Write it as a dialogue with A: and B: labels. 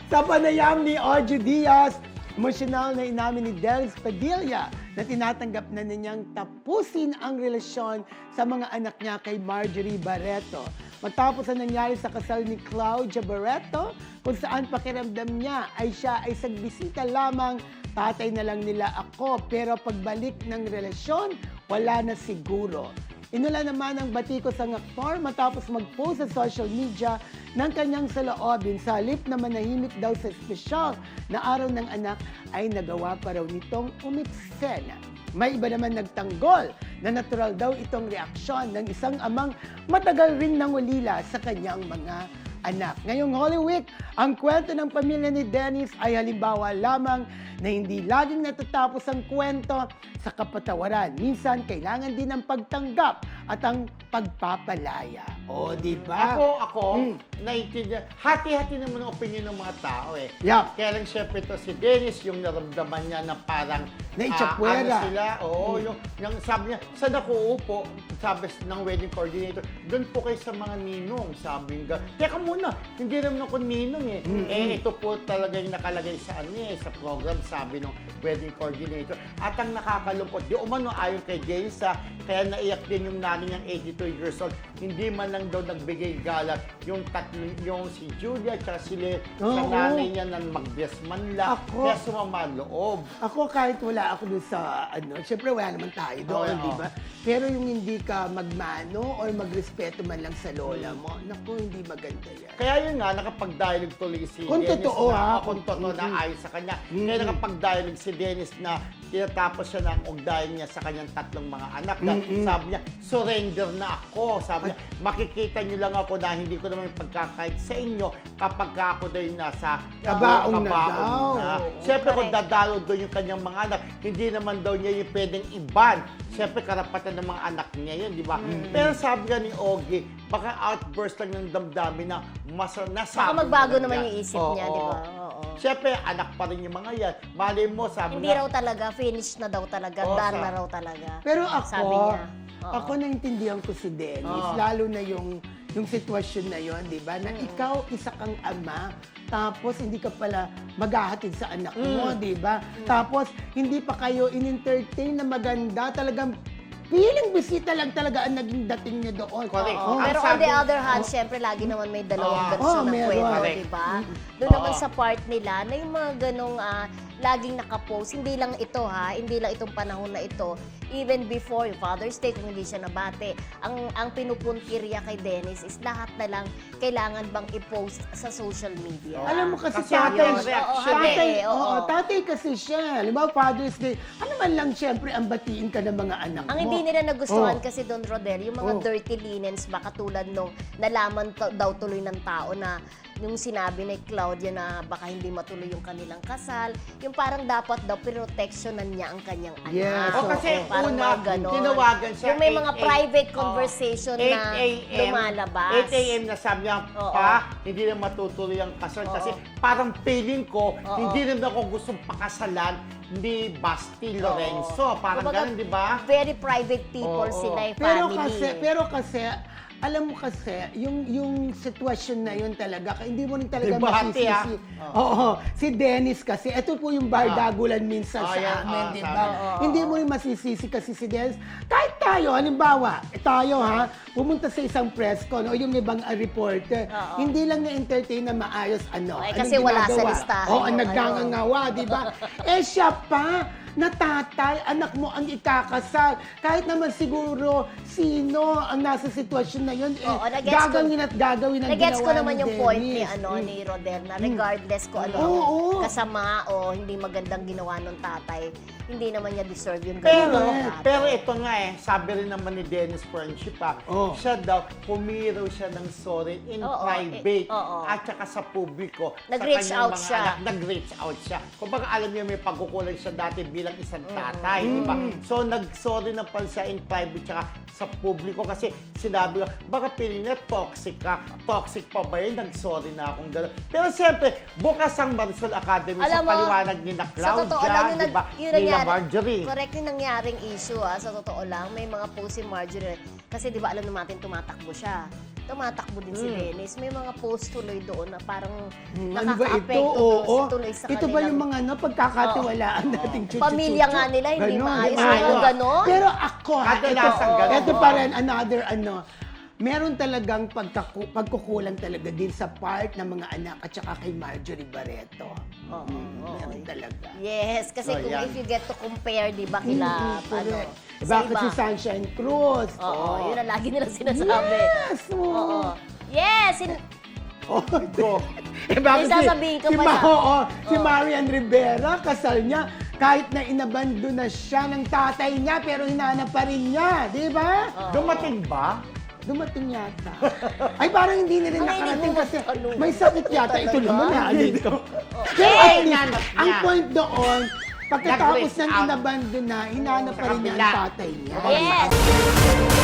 A: Sa panayam ni Ojo Diaz, emosyonal na inamin ni Dels Padilla na tinatanggap na niyang tapusin ang relasyon sa mga anak niya kay Marjorie Barreto. Matapos ang nangyari sa kasal ni Claudia Barreto, kung saan pakiramdam niya ay siya ay sagbisita lamang, tatay na lang nila ako, pero pagbalik ng relasyon, wala na siguro. Inula naman ang batikos ang aktor matapos mag-post sa social media ng kanyang saloobin. Sa halip na manahimik daw sa espesyal na araw ng anak ay nagawa pa raw nitong umiksena. May iba naman nagtanggol na natural daw itong reaksyon ng isang amang matagal ring nangulila sa kanyang mga anak. Ngayong Holy Week, ang kwento ng pamilya ni Dennis ay halimbawa lamang na hindi laging natatapos ang kwento sa kapatawaran. Minsan, kailangan din ng pagtanggap at ang pagpapalaya. O, di ba?
B: Ako, naiintindihan. Hati-hati naman ang opinion ng mga tao eh.
A: Yeah.
B: Kaya lang syempre ito si Dennis, yung naramdaman niya na parang
A: Naitsapwera.
B: ano sila, yung sabi niya, saan ako uupo? Sabi ng wedding coordinator, doon po kayo sa mga ninong, sabi nga. Teka muna, hindi naman ako ninong eh. Ito po talaga yung nakalagay sa sa program, sabi ng wedding coordinator. At ang nakakalungkot, di umano ayon kay Dennis, kaya naiyak din yung nanay niyang 82 years old. Hindi man lang daw nagbigay galat yung yung si Julia at si Le, sa nanay niya na mag-bless man lang. Kaya sumama loob.
A: Ako kahit wala ako doon sa syempre wala naman tayo doon, di ba? Pero yung hindi ka magmano or magrespeto man lang sa lola mo, naku, hindi maganda yan.
B: Kaya yun nga, nakapag-dialogue tuloy si
A: Kung
B: Dennis
A: totoo,
B: na,
A: ha?
B: kung totoo na ayon sa kanya. Kaya nakapag-dialogue si Dennis na tinatapos siya ng ugdayan niya sa kanyang tatlong mga anak. Sabi niya, surrender na ako. Sabi niya, makikita niyo lang ako na hindi ko naman pagkakait sa inyo kapag ako daw yung nasa
A: Kabaong na daw.
B: Siyempre kung dadalo doon yung kanyang mga anak, hindi naman daw niya yung pwedeng iban. Siyempre karapatan ng mga anak niya yun, di ba? Pero sabi nga ni Ogie, baka outburst lang ng damdamin na nasabi
C: Baka magbago
B: na
C: naman yung isip niya, di ba? Oo.
B: Siyempre, anak pa rin yung mga yan. Malay mo, sabi
C: Hindi raw talaga, finish na daw talaga, done na raw talaga.
A: Pero
C: sabi niya.
A: ako naintindihan ko si Dennis, lalo na yung sitwasyon na yon, di ba? Na ikaw, isa kang ama, tapos hindi ka pala maghahatid sa anak mo, di ba? Tapos, hindi pa kayo in-entertain na maganda, talagang feeling bisita lang talaga ang naging dating niya doon.
B: Correct.
C: Pero on the other hand, syempre lagi naman may dalawang version ng
A: meron.
C: kwento,
B: Correct.
C: di ba? Doon naman sa part nila na yung mga ganong laging nakapost, hindi lang ito hindi lang itong panahon na ito, even before yung Father's Day, kung hindi siya nabate, ang pinupuntirya kay Dennis is lahat na lang kailangan bang i-post sa social media.
A: Alam mo kasi
B: Kasi
A: tatay,
B: yun, reaction
A: tatay kasi siya. Halimbawa, Father's Day, ano man lang siyempre ang batiin ka ng mga anak mo.
C: Ang hindi nila nagustuhan kasi Don Rodel, yung mga dirty linens ba katulad nung nalaman daw tuloy ng tao na yung sinabi ni Claudia na baka hindi matuloy yung kanilang kasal, yung parang dapat daw proteksyonan niya ang kanyang anak.
A: Yes.
B: kasi
C: parang
B: una,
C: mga ganon.
B: tinawagan siya.
C: Yung may mga
B: 8
C: private conversation
B: 8
C: na lumalabas.
B: 8 a.m. na sabi niya, hindi na matutuloy ang kasal. Kasi parang feeling ko, hindi rin ako gustong pakasalan ni Basti Lorenzo. Parang
C: Kumbaga,
B: ganun, di ba?
C: Very private people sila, yung family.
A: Pero kasi, alam mo kasi, yung sitwasyon na yun talaga, hindi mo rin talaga
B: Debate,
A: masisisi. Oo, si Dennis kasi, ito po yung bardagulan minsan sa amin, di ba? Hindi mo rin masisisi kasi si Dennis. Kahit tayo, halimbawa, tayo pumunta sa isang press con, o yung ibang reporter, hindi lang na-entertain na maayos,
C: kasi wala sa listahan.
A: Oo, nagngangawa, di ba? Siya pa, na tatay, anak mo ang ikakasal. Kahit naman siguro sino ang nasa sitwasyon na yun, gagawin at gagawin ang ginawa ni Dennis.
C: Nagets ko naman yung point ni Rodel na regardless ko kasama o hindi magandang ginawa ng tatay, hindi naman niya deserve yung gano'n ng tatay.
B: Pero ito nga sabi rin naman ni Dennis Friendship siya daw, pumiraw siya ng sorry in private at saka sa publiko.
C: Nag-reach
B: sa kanyang
C: out
B: mga
C: siya.
B: anak, nag-reach out siya. Kung baka alam niya may pagkukulang siya dati bilang isang tatay, di ba? So nag-sorry na pala siya in private tsaka sa publiko kasi sinabi ko, baka piling niya toxic ka. Toxic pa ba yun? Nag-sorry na akong gano'n. Pero siyempre, bukas ang Marisol Academy sa paliwanag ni na Claudia, di ba? Nila Marjorie.
C: Correct yung nangyaring issue sa totoo lang. May mga post si Marjorie. Kasi di ba alam naman natin tumatakbo siya. tumatakbo din si Dennis. May mga post tuloy doon na parang
A: Ano ba ito?
C: nakaka-apekto
A: Oo.
C: tuloy sa
A: Ito ba
C: kanilang-
A: yung mga pagkakatiwalaan nating chuchu-chuchu?
C: Pamilya nga nila, hindi
A: Ganon,
C: maayos.
A: di ba?
C: Mga ganon.
A: Pero ako,
B: Kadalasan ganon.
A: ito pa rin, another meron talagang pagkukulang talaga din sa part ng mga anak at saka kay Marjorie Barreto. Meron talaga.
C: Yes, kasi
B: So,
C: kung
B: yan.
C: if you get to compare, di ba, kila,
A: Correct.
C: sa
A: Bakit
C: iba.
A: si Sunshine Cruz?
C: Oo, yun ang lagi nilang sinasabi.
A: Yes!
C: Oo. Yes!
A: Oh,
B: Go.
A: eh, bakit
C: May sasabihin ka
A: si,
C: pa na.
A: si Marian Rivera, kasal niya, kahit na inabando na siya ng tatay niya, pero hinanap pa rin niya, di ba?
B: Dumating ba?
A: Dumating yata. Ay, parang hindi na rin
C: Ang
A: nakarating
C: hindi mo
A: kasi
C: ano.
A: may sakit yata. Ito
C: Talaga?
A: naman na dito. Pero
B: Eh,
A: at least,
B: hinanap niya.
A: ang point doon, pagkatapos
B: Nag-reach
A: ng
B: out.
A: inabando na, hinanap
B: Sa
A: pa rin niya
B: kabila.
A: ang tatay niya.
C: Yes!